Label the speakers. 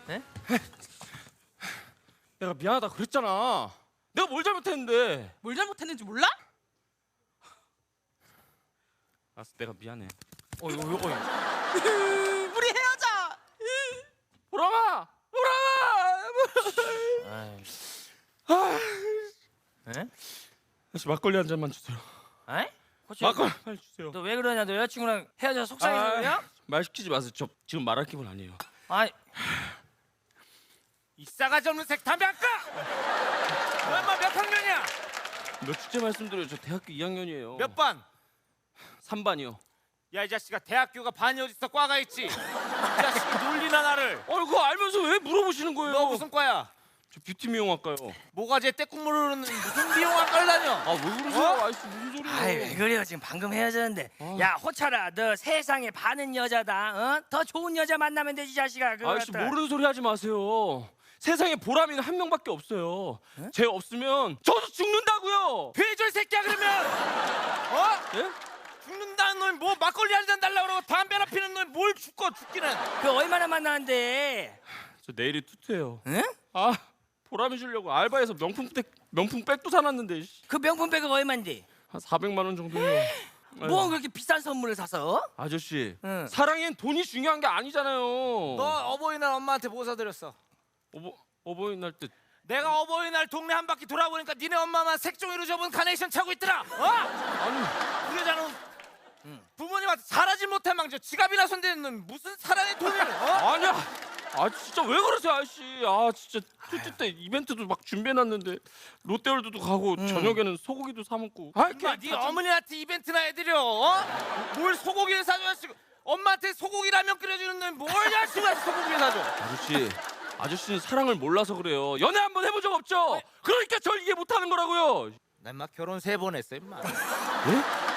Speaker 1: 네?
Speaker 2: 내가 미안하다 그랬잖아. 내가 뭘 잘못했는데.
Speaker 1: 뭘 잘못했는지 몰라?
Speaker 2: 알았어, 내가 미안해.
Speaker 1: 우리 헤어져.
Speaker 2: 보람아, 보람아.
Speaker 3: 에?
Speaker 2: 다시 막걸리 한 잔만 주세요.
Speaker 3: 에?
Speaker 2: 막걸리 빨리 주세요.
Speaker 3: 너 왜 그러냐? 너 여자친구랑 헤어져 속상해서 그래요?
Speaker 2: 말 시키지 마세요. 저 지금 말할 기분 아니에요.
Speaker 3: 아이,
Speaker 4: 이 싸가지 없는 색 담배 안 까! 너 엄마 몇 학년이야?
Speaker 2: 몇 주째 말씀드려요. 저 대학교 2학년이에요.
Speaker 4: 몇 반?
Speaker 2: 3반이요.
Speaker 4: 야 이 자식아 대학교가 반이 어딨어 과가 있지? 이 자식이 놀리나 나를.
Speaker 2: 그거 알면서 왜 물어보시는 거예요?
Speaker 4: 너 무슨 과야?
Speaker 2: 저 뷰티 미용학과요.
Speaker 4: 모가지에 때국물 흐르는 무슨 비용학과를 다녀?
Speaker 2: 왜 그러세요? 아이씨 무슨 소리예요?
Speaker 3: 아이 왜 그래요? 지금 방금 헤어졌는데. 야 호철아, 너 세상에 반은 여자다. 더 좋은 여자 만나면 되지 자식아. 그거
Speaker 2: 아이씨
Speaker 3: 갖다가.
Speaker 2: 모르는 소리 하지 마세요. 세상에 보람이는 한 명밖에 없어요. 쟤 없으면 저도 죽는다고요.
Speaker 4: 돼지 새끼야 그러면.
Speaker 2: 예?
Speaker 4: 죽는다는 놈이 뭐 막걸리 한 잔 달라고 그러고 담배나 피는 놈이 뭘 죽기는.
Speaker 3: 그 얼마나 만나는데?
Speaker 2: 저 내일이 투트예요.
Speaker 3: 응?
Speaker 2: 보람이 주려고 알바해서 명품 백도 사놨는데
Speaker 3: 그 명품백은 얼마인데?
Speaker 2: 한 400만 원 정도예요.
Speaker 3: 뭐 그렇게 비싼 선물을 사서?
Speaker 2: 아저씨,
Speaker 3: 응.
Speaker 2: 사랑엔 돈이 중요한 게 아니잖아요.
Speaker 4: 너 어버이날 엄마한테 뭐 사드렸어?
Speaker 2: 어버이날 때
Speaker 4: 내가 어버이날 동네 한 바퀴 돌아보니까 니네 엄마만 색종이로 접은 카네이션 차고 있더라.
Speaker 2: 아니
Speaker 4: 그 여자는 부모님한테 잘하지 못한 망정 지갑이나 손대는 놈 무슨 사랑의 돈을
Speaker 2: 아니야. 진짜 왜 그러세요 아저씨. 진짜 투트 때 이벤트도 막 준비해놨는데 롯데월드도 가고 저녁에는 소고기도 사 먹고.
Speaker 4: 엄마 네 어머니한테 이벤트나 해드려. 뭘 소고기를 사줘야 지금 엄마한테 소고기 라면 끓여주는 놈이 뭘 야식을 소고기를 사줘.
Speaker 2: 아저씨는 사랑을 몰라서 그래요. 연애 한번 해본 적 없죠? 그러니까 절 이해 못하는 거라고요.
Speaker 4: 나 인마 결혼 3번 했어 임마.
Speaker 2: 예?